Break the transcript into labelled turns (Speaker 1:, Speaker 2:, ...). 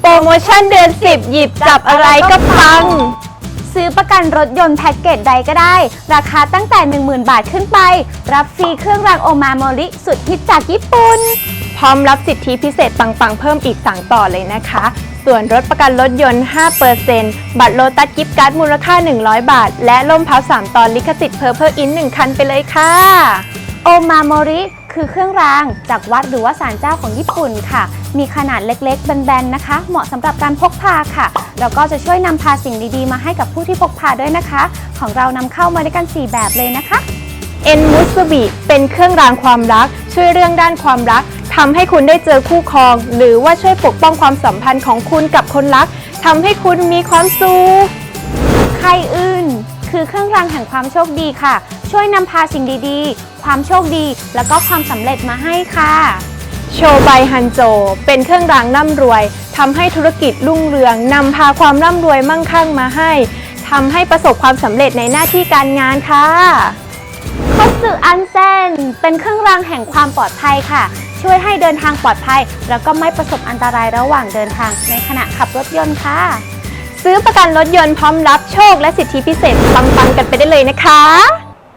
Speaker 1: รโมชั่นเดือน 10 หยิบจับอะไรก็ปัง
Speaker 2: ซื้อประกันรถยนต์แพ็กเกจใดก็ได้ ราคาตั้งแต่ 10,000 บาทขึ้นไป รับฟรีเครื่องรางโอมาโมริสุดฮิตจากญี่ปุ่น
Speaker 1: พร้อมรับสิทธิพิเศษปังๆเพิ่มอีกสั่งต่อเลยนะคะ ส่วนลดประกันรถยนต์ 5% บัตรโลตัสกิฟต์การ์ดมูลค่า 100 บาท และล่มพับ3 ตอนลิขสิทธิ์เพอร์เพอร์อิน1 คันไปเลยค่ะ
Speaker 2: โอมาโมริคือเครื่องรางจากวัดหรือว่าศาลเจ้าของญี่ปุ่นค่ะ มีขนาดเล็กๆแบนๆนะคะ เหมาะสำหรับการพกพาค่ะ แล้วก็จะช่วยนำพาสิ่งดีๆมาให้กับผู้ที่พกพาด้วยนะคะ ของเรานำเข้ามาด้วยกัน 4 แบบเลยนะคะ
Speaker 1: เอ็นมุสบิเป็นเครื่องรางความรัก ช่วยเรื่องด้านความรักทำให้คุณได้เจอคู่ครอง หรือว่าช่วยปกป้องความสัมพันธ์ของคุณกับคนรักทำให้คุณมีความสุข
Speaker 2: ไคอื่นคือเครื่องรางแห่งความโชคดีค่ะ ช่วยนำพาสิ่งดีๆ ความโชคดีแล้วก็ความสำเร็จมาให้ค่ะ
Speaker 1: โชไบฮันโจเป็นเครื่องรางร่ำรวยทำให้ธุรกิจรุ่งเรืองนำพาความร่ำรวยมั่งคั่งมาให้ทำให้ประสบความสำเร็จในหน้าที่การงานค่ะ
Speaker 2: คตสึอันเซนเป็นเครื่องรางแห่งความปลอดภัยค่ะ ช่วยให้เดินทางปลอดภัยแล้วก็ไม่ประสบอันตรายระหว่างเดินทางในขณะขับรถยนต์ค่ะ
Speaker 1: ซื้อประกันรถยนต์พร้อมรับโชคและสิทธิพิเศษปังๆกันไปได้เลยนะคะ